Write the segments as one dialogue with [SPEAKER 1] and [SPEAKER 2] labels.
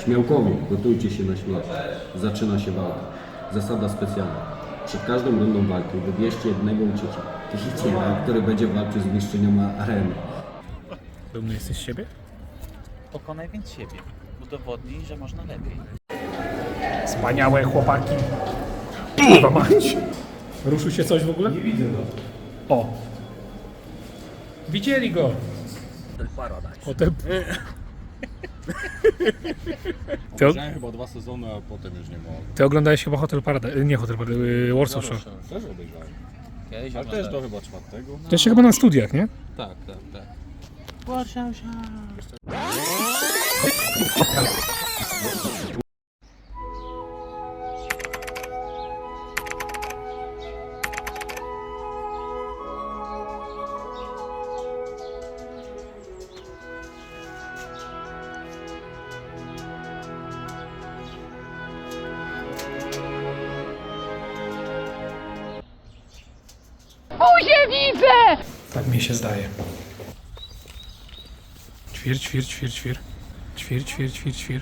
[SPEAKER 1] Śmiałkowie, gotujcie się na śmierć. Zaczyna się walka. Zasada specjalna. Przed każdą rundą walki wybierzcie jednego uciekiciela, który będzie walczył z mistrzynią areny.
[SPEAKER 2] Dumny jesteś z siebie?
[SPEAKER 3] Pokonaj więc siebie. Udowodnij, że można lepiej.
[SPEAKER 2] Wspaniałe chłopaki. Kurwa mać. Ruszył się coś w ogóle?
[SPEAKER 1] Nie widzę go.
[SPEAKER 2] O! Widzieli go! Potem...
[SPEAKER 4] Obejrzałem chyba 2 sezony, a potem już nie mogłem.
[SPEAKER 2] Ty oglądałeś chyba Hotel Paradise, nie Hotel Paradise, Warsaw Shore.
[SPEAKER 4] Też obejrzałem.
[SPEAKER 3] Kiedyś
[SPEAKER 4] Ale też do chyba 4.
[SPEAKER 2] To jeszcze chyba na studiach, nie?
[SPEAKER 3] Tak, tak, tak.
[SPEAKER 5] Buzię widzę!
[SPEAKER 2] Tak mi się zdaje. Ćwir, ćwir, ćwir, ćwir. Ćwir, ćwir, ćwir, ćwir.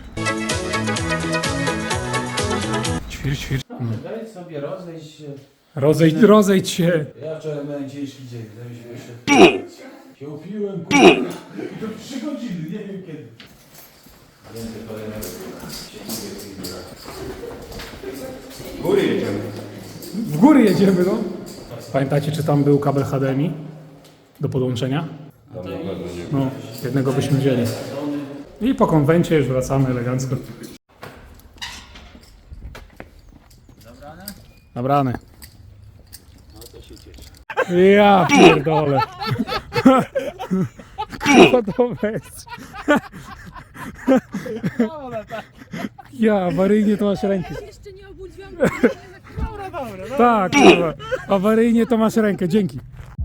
[SPEAKER 2] Ćwir, ćwir.
[SPEAKER 6] Daj sobie rozejść się.
[SPEAKER 2] Rozejdź się.
[SPEAKER 6] Ja wczoraj miałem ciężki dzień. Się upiłem, kurwa. I to 3 godziny, nie wiem kiedy. Więcej kolejnego.
[SPEAKER 2] W góry jedziemy, no. Pamiętacie, czy tam był kabel HDMI do podłączenia? No, jednego byśmy wzięli. I po konwencie już wracamy elegancko. Nabrane. Ja pierdolę. Kurwa to weź. Ja, awaryjnie to masz rękę.
[SPEAKER 5] Jeszcze nie obudziłam.
[SPEAKER 2] Tak, kurwa. Awaryjnie to masz rękę, dzięki.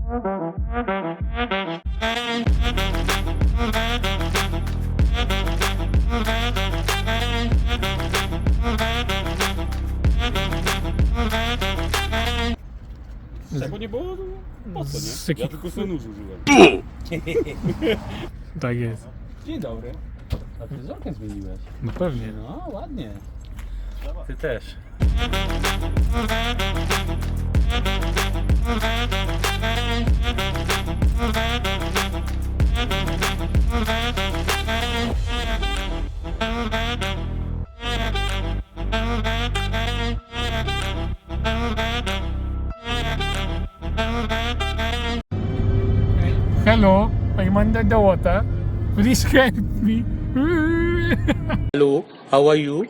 [SPEAKER 4] Tego nie było? Po co,
[SPEAKER 2] Z
[SPEAKER 4] nie?
[SPEAKER 2] jakich-
[SPEAKER 4] Ja tylko sobie nóż użyłem.
[SPEAKER 2] Tak jest.
[SPEAKER 6] Dzień dobry. A fryzorkę zmieniłeś.
[SPEAKER 2] No pewnie.
[SPEAKER 6] No, ładnie.
[SPEAKER 3] Ty też.
[SPEAKER 2] Hello, I'm under the water. Please help me.
[SPEAKER 3] Hello, how are you?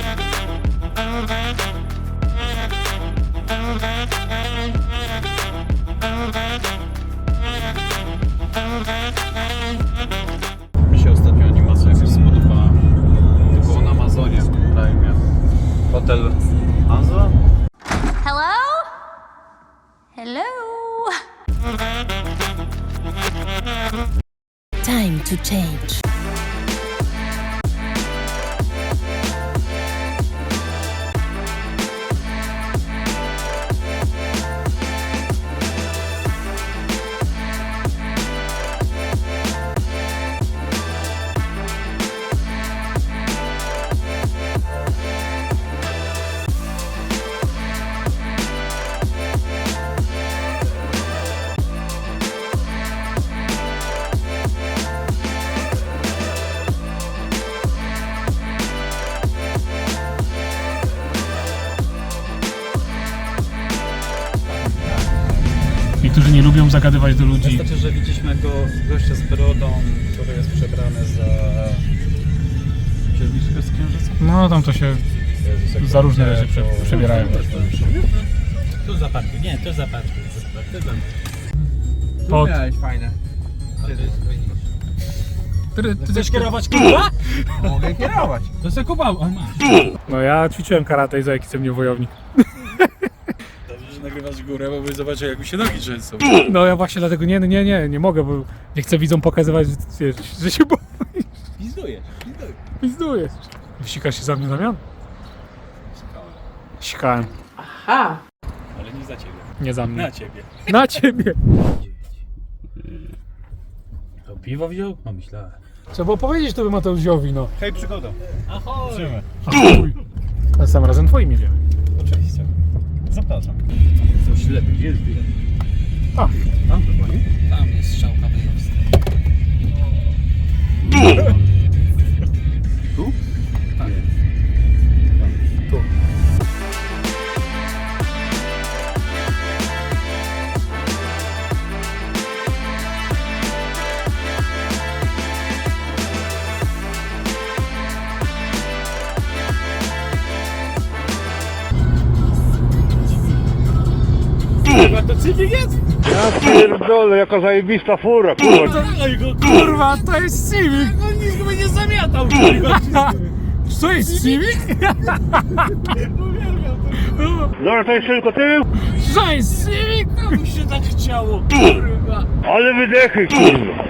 [SPEAKER 4] Mi się ostatnio animacja jakaś spodobała. To było na Amazonie w Prime. Hotel Hansa?
[SPEAKER 5] Hello? Hello?
[SPEAKER 7] Time to change.
[SPEAKER 2] Niektórzy nie lubią zagadywać do ludzi.
[SPEAKER 4] Wystarczy, że widzieliśmy go gościa z brodą, który jest przebrany za księżniczkę z księżyca.
[SPEAKER 2] No tam to się
[SPEAKER 4] Jezus, jak
[SPEAKER 2] za różne rzeczy
[SPEAKER 4] to-
[SPEAKER 2] przebierają.
[SPEAKER 3] Tu zaparkuj. Nie, tu zaparkuj.
[SPEAKER 2] Pod...
[SPEAKER 6] Miałeś fajne.
[SPEAKER 2] Ty chcesz kierować, kurwa?
[SPEAKER 6] Mogę kierować.
[SPEAKER 3] To se kupał.
[SPEAKER 2] No ja ćwiczyłem karate i za jaki jestem nie wojownik.
[SPEAKER 4] Dobrze, że nagrywasz górę, bo byś zobaczył, jak mi się nogi trzęsą.
[SPEAKER 2] No ja właśnie dlatego nie mogę, bo nie chcę widzom pokazywać, że się boję.
[SPEAKER 3] Pizdujesz.
[SPEAKER 2] Pizdujesz. Wsikasz się za mnie, Damian? Sikałem.
[SPEAKER 3] Ale nie za ciebie.
[SPEAKER 2] Nie za mnie.
[SPEAKER 3] Na ciebie.
[SPEAKER 2] Na ciebie.
[SPEAKER 3] To piwo wziął? No myślałem.
[SPEAKER 2] Trzeba było powiedzieć to by Mateuszowi, no.
[SPEAKER 4] Hej, przygoda. Ahoj.
[SPEAKER 2] A chuj. A sam razem twoim jedziemy.
[SPEAKER 4] Oczywiście. Zapraszam. Co ślepy, gdzie jest bilet?
[SPEAKER 2] A, tam chyba, nie?
[SPEAKER 3] Tam jest strzałka wyjazd.
[SPEAKER 4] Tu?
[SPEAKER 2] Tak. Tu.
[SPEAKER 8] Pierdolę, jaka zajebista fura, kurwa.
[SPEAKER 2] Kurwa, to jest Civic!
[SPEAKER 3] On nic by nie zamiatał, kurwa.
[SPEAKER 2] Co jest Civic?
[SPEAKER 8] Dobra, to jest tylko tył,
[SPEAKER 2] Co jest Civic?
[SPEAKER 3] Mu się tak chciało, kurwa.
[SPEAKER 8] ale wydechy, kurwa.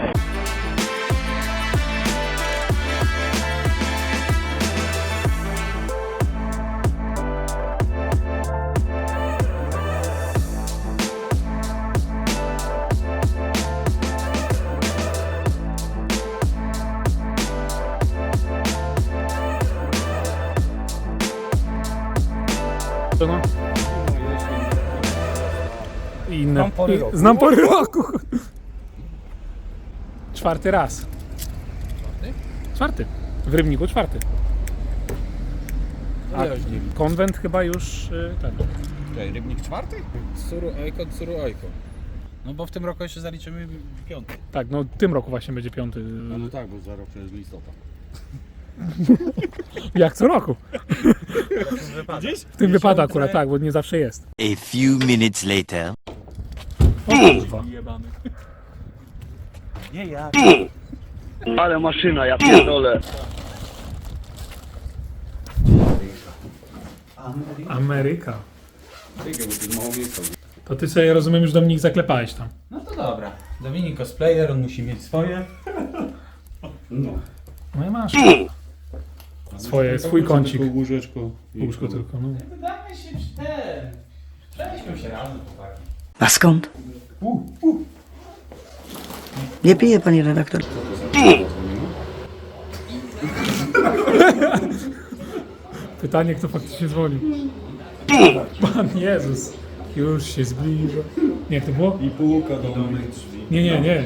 [SPEAKER 2] No. Inne. Znam pory roku. Czwarty raz. Czwarty? W Rybniku czwarty. A konwent chyba już ten.
[SPEAKER 4] Czekaj, Rybnik czwarty?
[SPEAKER 3] Suru Ojko. No bo w tym roku jeszcze zaliczymy 5.
[SPEAKER 2] Tak, no w tym roku właśnie będzie piąty.
[SPEAKER 4] No tak, bo za rok przecież listopad.
[SPEAKER 2] Jak co roku. W tym wypada akurat tak, bo nie zawsze jest.
[SPEAKER 9] A few minutes later.
[SPEAKER 2] O kurwa.
[SPEAKER 3] Nie ja.
[SPEAKER 8] Ale maszyna, ja pierdolę.
[SPEAKER 2] Ameryka. To ty sobie, rozumiem, już Dominik zaklepałeś tam.
[SPEAKER 3] No to dobra. Dominik cosplayer, on musi mieć swoje.
[SPEAKER 4] No.
[SPEAKER 2] No i masz. Swój kącik.
[SPEAKER 4] Łóżeczko.
[SPEAKER 2] Łóżko tylko, no.
[SPEAKER 3] Damy się ten. Przejdźmy się razem, chłopaki.
[SPEAKER 10] A skąd? Nie pije, panie redaktor.
[SPEAKER 2] Pytanie, kto faktycznie dzwonił. Pan Jezus. Już się zbliża. Nie, jak to było?
[SPEAKER 4] I półka do moich drzwi.
[SPEAKER 2] Nie.
[SPEAKER 4] Nie.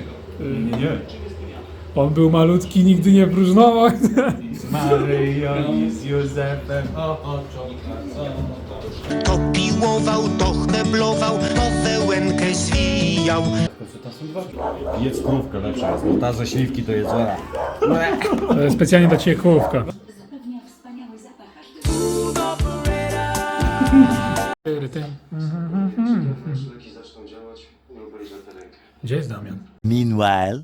[SPEAKER 2] On był malutki, nigdy nie próżnował.
[SPEAKER 3] Maryjo z Józefem ochoczą
[SPEAKER 11] To piłował, to chneblował, to wełenkę zwijał.
[SPEAKER 4] Jedz krówkę lepsza jest, bo ta ze śliwki to jest zła.
[SPEAKER 2] Specjalnie dla ciebie kołówka. Gdzie jest Damian?
[SPEAKER 9] Meanwhile.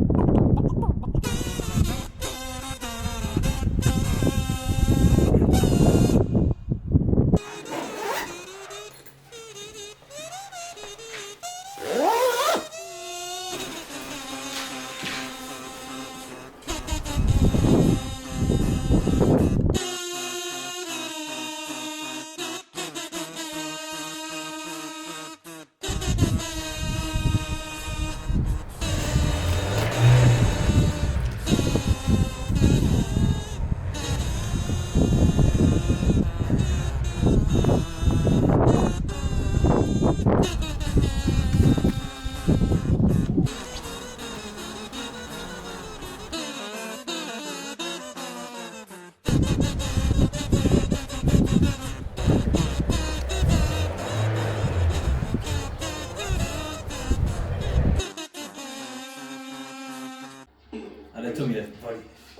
[SPEAKER 6] Ale tu mnie boli.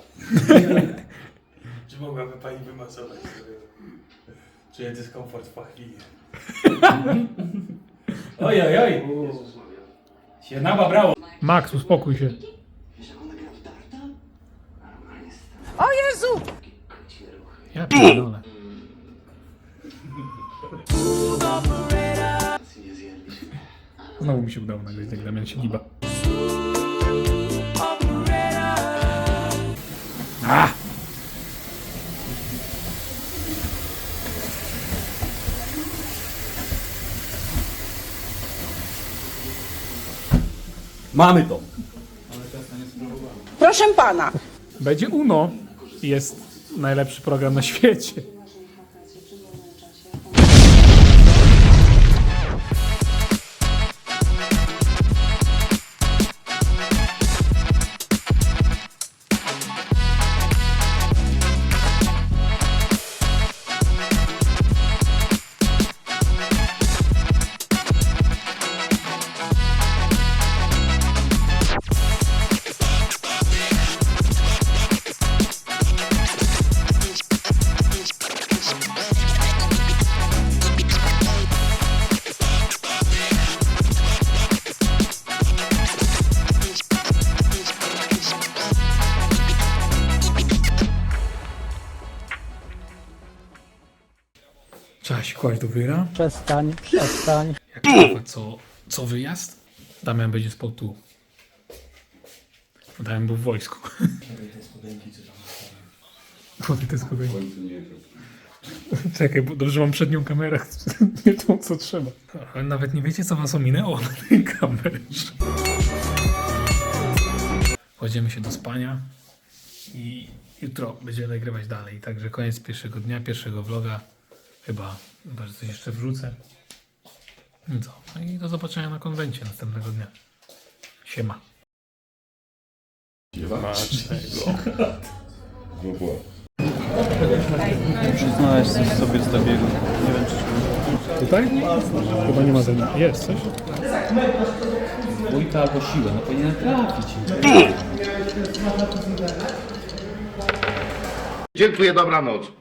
[SPEAKER 6] Czy mogłaby pani wymasować sobie? Czuję dyskomfort w pachwinie. Oj. Się nababrało.
[SPEAKER 2] Max, uspokój się.
[SPEAKER 5] O Jezu!
[SPEAKER 2] Ja pierdolę. Znowu mi się udało nagrać, jak Damian się giba.
[SPEAKER 1] Mamy to.
[SPEAKER 12] Proszę pana,
[SPEAKER 2] Będzie UNO. Jest najlepszy program na świecie. Trzeba się kłaść do wyra.
[SPEAKER 10] Przestań.
[SPEAKER 2] Jak kurwa, co wyjazd? Damian będzie spał tu. Damian był w wojsku. Chłopie, te spodenki. Czekaj, bo dobrze mam przednią kamerę. Nie tą, co trzeba. Ale nawet nie wiecie, co was ominęło na tej kamerze. Kładziemy się do spania i jutro będziemy nagrywać dalej. Także koniec pierwszego dnia, pierwszego vloga. Chyba że coś jeszcze wrzucę. No co? No i do zobaczenia na konwencie następnego dnia. Siema.
[SPEAKER 4] Znaleźć coś sobie z zabiegu. Nie wiem, czy
[SPEAKER 2] Tutaj? Chyba nie ma ze mną. Jest coś?
[SPEAKER 3] Dwójka albo siłę, no powinien trafić.
[SPEAKER 8] Dziękuję, dobranoc.